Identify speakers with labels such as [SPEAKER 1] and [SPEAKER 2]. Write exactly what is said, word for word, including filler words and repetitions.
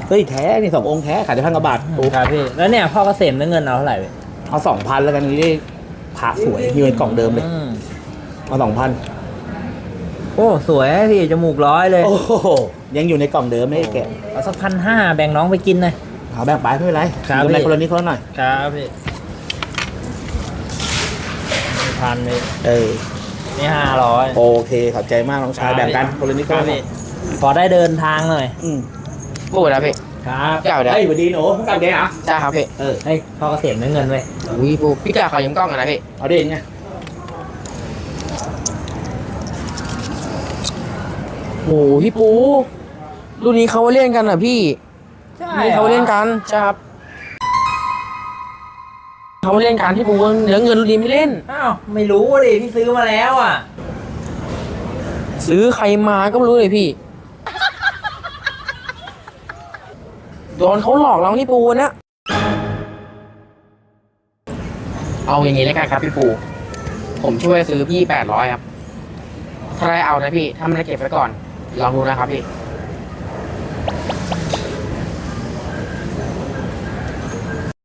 [SPEAKER 1] เฮ้ยแท้นี่สององค์แท้ขายได้พันกว่าบาทโอ้
[SPEAKER 2] ครับพี่แล้วเนี่ยพ่อเกษมได้เงินเอาเท่าไหร่พี่
[SPEAKER 1] เอาสองพันแล้วกันนี่ได้พระสวยมีเป็นกล่องเดิมเลย
[SPEAKER 2] อืม
[SPEAKER 1] เอาสองพัน
[SPEAKER 2] โอ้สวยพี่จมูกร้อยเลย
[SPEAKER 1] โอ้โหยังอยู่ในกล่องเดิมไม่ได้แกะ
[SPEAKER 2] เอาสักพันห้าแบ่งน้องไปกินหน่อย
[SPEAKER 1] เอาแบ่งไปไม่เป็นไร
[SPEAKER 2] ครับ
[SPEAKER 1] กำไร
[SPEAKER 2] พี่
[SPEAKER 1] คนละนิดคนละหน่อย
[SPEAKER 2] ครับพี่พันเลย
[SPEAKER 1] เออ
[SPEAKER 2] นี่ห้าร้อย
[SPEAKER 1] โอเคขอบใจมากน้องชายแบ่งกันคนละนิดคนละหน่อย
[SPEAKER 2] พอได้เดินทางหน่อย
[SPEAKER 1] อืม
[SPEAKER 3] พูดนะพี่
[SPEAKER 2] ครับ
[SPEAKER 3] เก่าเดี๋ยว
[SPEAKER 1] เฮ้ยสวัสดีหนูเพิ่งกลับเดี๋ยวเหรอ
[SPEAKER 3] ใช่ครับพี่
[SPEAKER 1] เออ
[SPEAKER 2] เฮ้ยพ่อเกษมได้เงินเว้ย
[SPEAKER 3] อุ้ยปูพี่กาขอยืมกล้องกันนะพี่
[SPEAKER 1] เอาดิไง
[SPEAKER 3] โอ้พี่ปูรุ่นนี้เขาเล่นกันเหรอพี่
[SPEAKER 2] ใช่
[SPEAKER 3] นี่เขาเล่นกันใช่ครับเขาเล่นกันพี่ปูเดี๋ยวเงินรุ่นนี้ไม่เล่น
[SPEAKER 2] อ้าวไม่รู้ดิพี่ซื้อมาแล้วอ่ะ
[SPEAKER 3] ซื้อใครมาก็ไม่รู้เลยพี่โดนเขาหลอกเรานี่ปูนะเอาอย่างนี้แล้วกันครับพี่ปู ผมช่วยซื้อพี่แปดร้อยครับถ้าได้เอานะพี่ถ้าไม่ได้เก็บไว้ก่อนลองดูนะครับพี่